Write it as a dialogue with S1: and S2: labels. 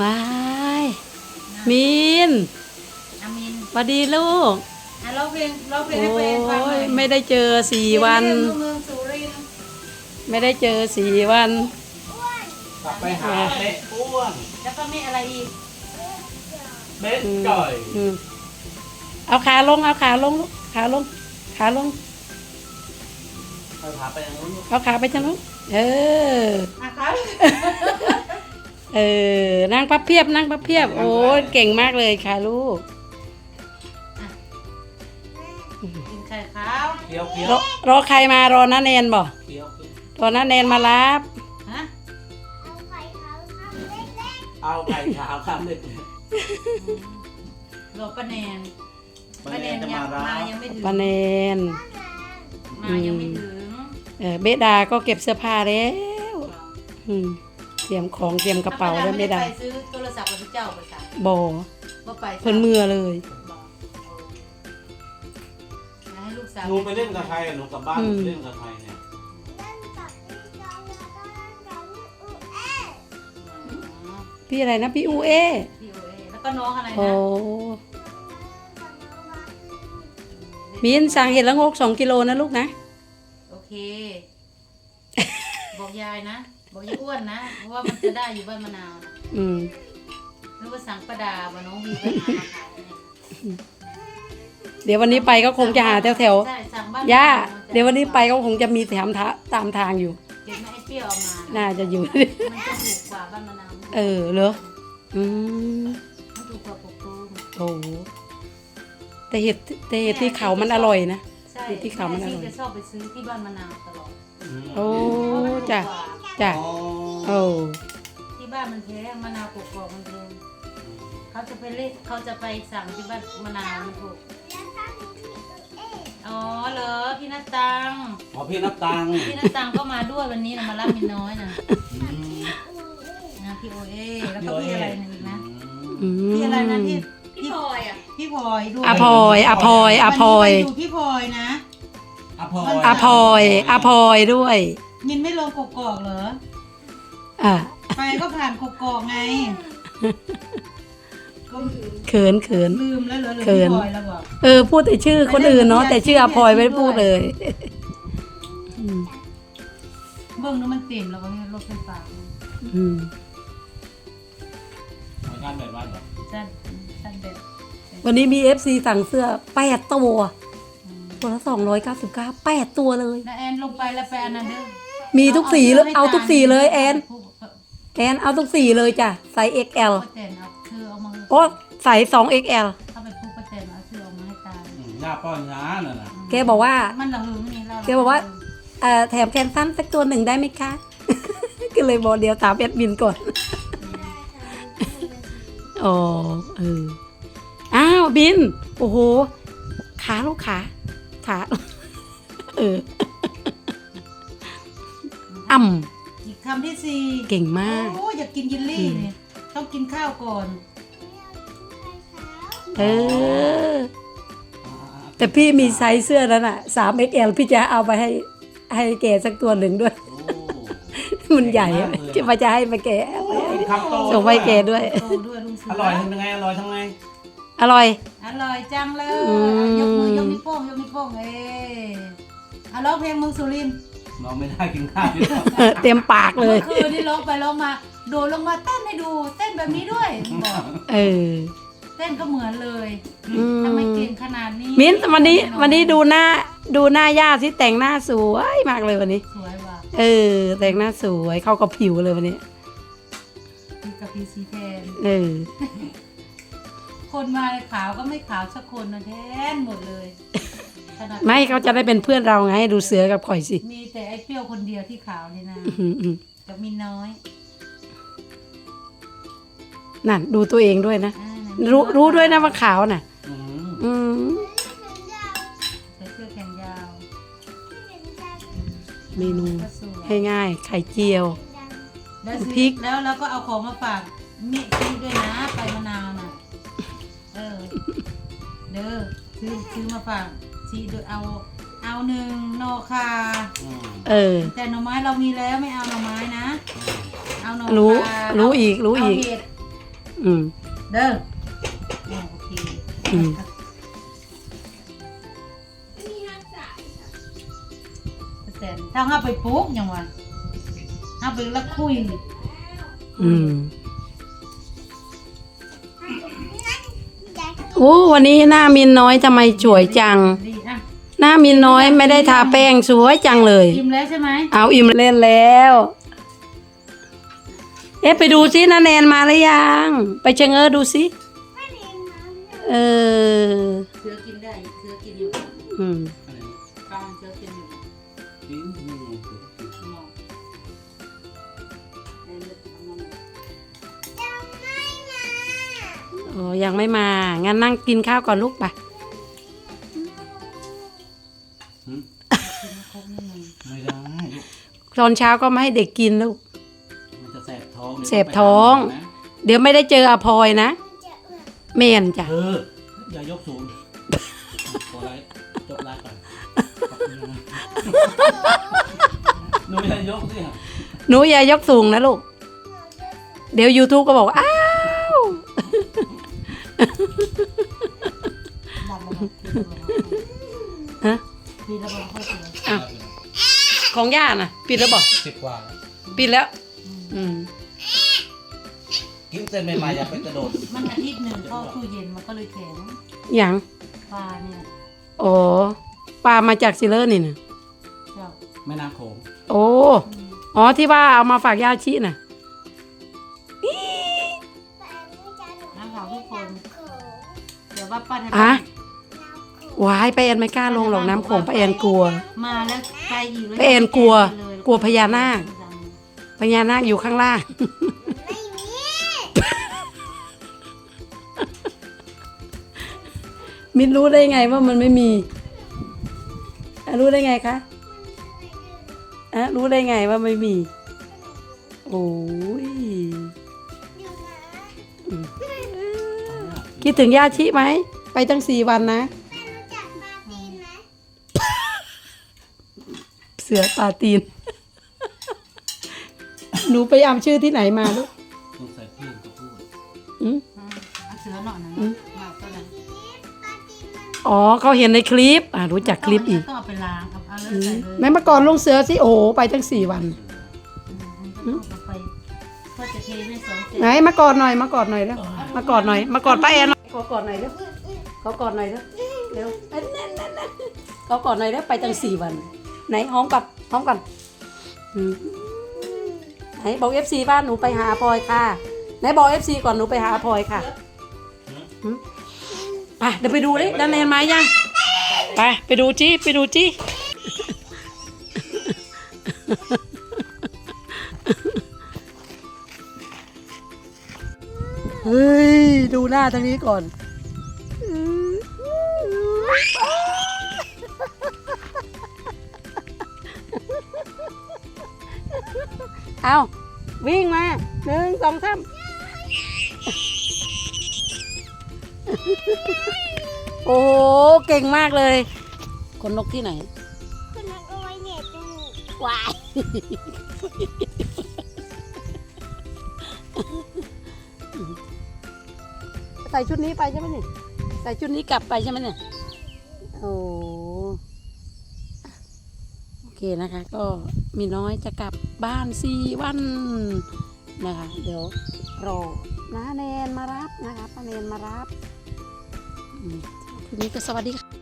S1: ว้ายมีน
S2: อามิน
S1: สวัสดีลูก
S2: ร้องเพลง
S1: โอ
S2: ให้แฟนฟังหน่
S1: ้
S2: อย
S1: ยไม่ได้เจอ4 วัน
S2: เมืองสุรินทร์
S1: ไม่ได้เจอ4 วัน
S3: กลับไปหาเบ๊ะอ้วน
S2: แล้วก็มีอะไรอีก
S3: เบ๊ะจ่อย
S1: เอาขาลงเอาขาลงลูกขาลงขาลง
S3: ไปพาไปทางนู้น
S1: เอาขาไปทางนู้นเออ
S2: นะคะ
S1: เออนั่งพับเพียบนั่งพับเพียบโอ้ยเก่งมากเลยค่ะลูก
S2: กินไข่ขาว
S3: เคี้ยวเคี้ยว
S1: รอใครมารอน้าแนนบ่
S3: เคี้ยว
S1: รอน้าแนนมารับ
S2: ฮะ
S3: เอาไก่ขาวครับเด็ก
S2: รอป้าแนน
S3: ป้าแนนจะมารับ
S2: มายังไม่ถึง
S1: ป้าแนน
S2: มายังไม่ถึง
S1: เบดาก็เก็บเสื้อผ้าแล้วเตรียมของเตรียมกระเป๋าแล้วเบดา
S2: ไปซื้อโทรศัพท์กับพี่เจ้าประสาน
S1: บ่
S2: บ่ไป
S1: เพิ่นเมื่อเลย
S2: ให้ลูกสาว
S3: หนูไปเล่นกับใครหนูกลับบ้านเล่นกับใครเนี่ย
S1: พี่อะไรนะพี่อูเอ
S2: พี่โอเอแล้วก็น้องอะไร
S1: โอ้
S2: นะ
S1: มินสั่งเห็ดละงก2 กิโลนะลูกนะ
S2: โอเค บอกยายนะ บอกยายอ้วนนะ เพราะว่ามันจะได้อยู่บ้านมะนาวนะ นึกว่าสั่งประดาว่าน้องวีไปหามาขายเนี่ย
S1: เดี๋ยววันนี้ไปก็คงจะหาแถว
S2: ใช่สั่งบ้าน
S1: ๆย่าเดี๋ยววันนี้ไปก็คงจะมีแถมตามทางอยู่
S2: เก็บมาให้เปรี้ยวเอามา
S1: น่าจะอยู่
S2: มันจะถูกกว่าบ้านมะนาว
S1: เหรอ
S2: มันถูกกว่าปกตูม
S1: โอ้โหแต่เห็ดที่เขามันอร่อยนะ
S2: ใช่
S1: ที่เขามันอร่อย
S2: แจะชอบไปซื้อที่บ้านมะนาวตลอด
S1: โอ้
S2: เพราะมันถูก
S1: จ้ะ
S2: กว่า
S1: จ้ะ
S3: อ๋อ
S1: โอ้
S2: ที่บ้านมันแพงมะนาวกรอกๆมันแพงเขาจะไปเล่นเขาจะไปสั่งที่บ้านมะนาวมันถูกอ๋อเหรอพี่นัตตัง
S3: อ๋อพี่นับตังค์
S2: พี่นัตตังก็มาด้วยวันนี้นะมารับมินน้อยนะ นะพี่โอเอแล้วก็พี่อะไรนะอีกนะพี่อะไรนะที่พี่พลอยอ่ะพี่พลอยด้วย
S1: อภอยอภอยอภอย
S2: วันนี้ไปอยู่พี่พลอยนะ
S3: อภอย
S1: อภอยอภอยด้วย
S2: มินไม่ลงกกอกเหรอ
S1: อ่ะ
S2: ไปก็ผ่านกกอกไงก็
S1: เขิน
S2: ลืมแล้วเหรอหรือ
S1: เขิ
S2: พี่
S1: น
S2: พลอยแล้วบอก
S1: พูดแต่ชื่อคนอื่นเนาะแต่ชื่ออภอยไม่ได้พูดเลย
S2: เบิ้งนู้นมันเต็มแล้วก็เนี่ยรถไฟฟ้า
S3: เหมือนกันแบบว่าเหรอ
S2: สั้นสั้นแบบ
S1: วันนี้มี FC สั่งเสื้อ8 ตัวตัวละ299 8 ตัวเลย
S2: แล้วแอนลงไปแล้วไปอันนั้นเด้อ
S1: มีทุกสีเลยเอาทุกสีเลยแอนเอาทุกสีเลยจ้ะไซส์ XL
S2: ป้าแตนเอาเธอเอามา
S1: โอ้ใส่ 2XL
S2: เข้าไปพูดป้าแตนเอาเธอเอามาให้ตา
S3: หน้าป้อนช้าน่ะนะ
S1: แกบอกว่า
S2: มันระหึงนี่เรา
S1: แกบอกว่า แถมแคนซันสักตัวหนึ่งได้ไหมคะ ก็เลยบอกเดี๋ยวถามแอดมินก่อน อ๋ออ้าวบิน โอ้โห ขาลูกขาอ่ำ
S2: อีกคำที่สี่
S1: เก่งมาก
S2: โอ้อยากกินยินลี่เนี่ยต้องกินข้าวก่อน
S1: แต่พี่มีไซส์เสื้อนั้นอ่ะ 3XL พี่จะเอาไปให้แกสักตัวหนึ่งด้วย มันใหญ่อะจะให้มาแก
S3: คำโต
S1: ส่งไปแกด้วย
S2: โตด้วยลุงเสื
S3: อร่อยทำยังไงอร่อยทำไง
S1: อร่อย
S2: อร่อยจังเลย
S1: อืม
S2: ยกมือยกนิ้วโป้งยกนิ้วโป้งร้องเพลงเมืองสุรินทร์
S3: เราไม่ได้กินข้าวที่เรา
S1: เต็มปากเลย
S2: เมื่อคืนนี่ร้องไปร้องมาโดดลงมาเต้นให้ดูเต้นแบบนี้ด้วยบอก เต้นก็เหมือนเลย ทำไมเก่งขนาดนี้
S1: มิ้นวันนี้ดูหน้าย่าที่แต่งหน้าสวยมากเลยวันนี้
S2: สวยว่ะ
S1: แต่งหน้าสวยเข้ากับผิวเลยวันนี้
S2: มีกับพีซีแทน คนมาขาวก็ไม่ขาวสักคนนะแทนหมดเลยขนาด
S1: ไม่เขาจะได้เป็นเพื่อนเราไงดูเสือกับข่อยสิ
S2: มีแต่ไอ้เปรี้ยวคนเดียวที่ขาวนี่นะกับมีน้อย
S1: นั่นดูตัวเองด้วยนะ
S2: อ่านะ
S1: รู้ด้วยนะว่าขาวน่ะ
S2: ใส่เสื้อแขนยาว
S1: เมนู
S2: ก็สวย
S1: ให้ง่ายไข่เจียว
S2: แล้ว
S1: พริก
S2: แล้วเราก็เอาของมาฝากเมียซีด้วยนะไปมะนาวน่ะเด้อซื้อมาฝากซีโดยเอาหนึ่งโนคา แต่หน่อไม้เรามีแล้วไม่เอาหน่อไม้นะ เอาหน่อคา
S1: รู้อีก
S2: เอาเห็ด
S1: อืม
S2: เด้อโอเค
S1: อืม
S2: แต่ถ้าห้าไปปลูกยังวะห้าไปแล้วคุย
S1: อืมโอ้วันนี้หน้ามินน้อยทำไมสวยจัง
S2: ดีอ่ะ
S1: หน้ามินน้อยไม่ได้ทาแป้งสวยจังเลย
S2: อิ่มแล้วใช่ไหม
S1: เอาอิ่มเล่นแล้ว เอ๊ะไปดูซินาแนนมาหรือยัง ไปเชงเออดูซิเออ
S2: เสือกินได้เสือกินอยู่
S1: อืม
S3: อะไรนะ
S2: กางเสือกินอยู่
S3: กินไม่ลงสิ
S2: มองเดินไปทำงาน
S1: โอ้ยังไม่มา งั้นนั่งกินข้าวก่อนลูกไป
S3: หืม
S2: กินครบนิดนึง
S3: ไม่ได้ลูก
S1: ตอนเช้าก็ไม่ให้เด็กกินลูก
S3: มันจะแสบท้อง
S1: แสบท้อง เดี๋ยวไม่ได้เจออภอยนะเมนจ้ะ
S3: อย่ายกสูงขอไลฟ์จบไลฟ์ก่อนขอบคุณนะหนูอย่ายกสิ
S1: หนูอย่ายกสูงนะลูก เดี๋ยว YouTube ก็บอกว่าอ้าว
S2: ดับระบบ
S1: ฮะ
S2: ทีระบบเข้าเสือ
S1: อ้าวของย่าน่ะ ปิดแล้วบอก
S3: 10 กว่าแล้ว
S1: ปิดแล้ว อืม
S3: กินเส้นใหม่ๆอย่าไปกระโดด
S2: มันอาทิตย์หนึ่งเข้าตู้เย็นมันก็เลยแข็ง
S1: อย่าง
S2: ปลาเนี่ย
S1: โอ้ปลามาจากซิเลอร์นี่นะ
S2: เจ้า
S3: แม่น้ำโขง
S1: โอ้อ๋อที่ว่าเอามาฝากย่าชิน่ะ
S2: น้ำขาวทุกคนเดี๋ยวว่าป้าไทย
S1: อะวายไปาแอนไม่กล้าลงหรอกน้ำโขงป้าแอนกลัว
S2: มาแล้วไปอีกเลย
S1: ป้าแอนกลัว
S2: เลย
S1: กลัวพญานาค พญานาคอยู่ข้างล่าง มินรู้ได้ไงว่ามันไม่มีอ่ะรู้ได้ไงคะอ่ะรู้ได้ไงว่าไม่มี โอ้ยอืมคิดถึงย่าชิไหม ไปตั้ง4 วันนะ เสือปาตีน หนูไปเอาชื่อที่ไหนมาลูก
S3: สงสัยเพื่อนเขาพูด
S1: อืม
S2: เอาเสือหน่อยนะมาก็เลย
S1: อ๋อเขาเห็นในคลิป รู้จักคลิปอีก
S2: ต้องเอาไปล้างครับเอาเลยใส่เลย
S1: แม่เมื่อก่อนลงเสือสิโอ้โหไปตั้ง4 วัน
S2: มันก็ต้องเอาไปก็จะเทให้สองเศษ
S1: ไหนมากอดหน่อยมากอดหน่อยแล้วมากอดหน่อยมากอดป้าแอนหน่อยขอกอดหน่อยเร็วขอกอดหน่อยเร็วเร็วนั่นขอกอดหน่อยแล้วไปตั้ง4 วัน ไหนหอมกับหอมกันอืมไหนบอก FC บ้านหนูไปหาพลอยค่ะไหนบอก FC ก่อนหนูไปหาพลอยค่ะอืมไปเดี๋ยวไปดูดิด้านแนนมายังไปดูจี้ไปดูจี้เฮ้ยดูหน้าทางนี้ก่อนเอาวิ่งมา1 2 3โอ้โหเก่งมากเลยคนนกที่ไหน
S4: คุณนักเอาไว้เหน็บจมูก
S1: วายใส่ชุดนี้ไปใช่ไหมเนี่ยใส่ชุดนี้กลับไปใช่ไหมเนี่ยโอ้โอเคนะคะ ก็มีน้อยจะกลับบ้าน4 วันนะคะเดี๋ยวรอน้าแนนมารับนะคะป้าแนนมารับทีนี้ก็สวัสดีค่ะ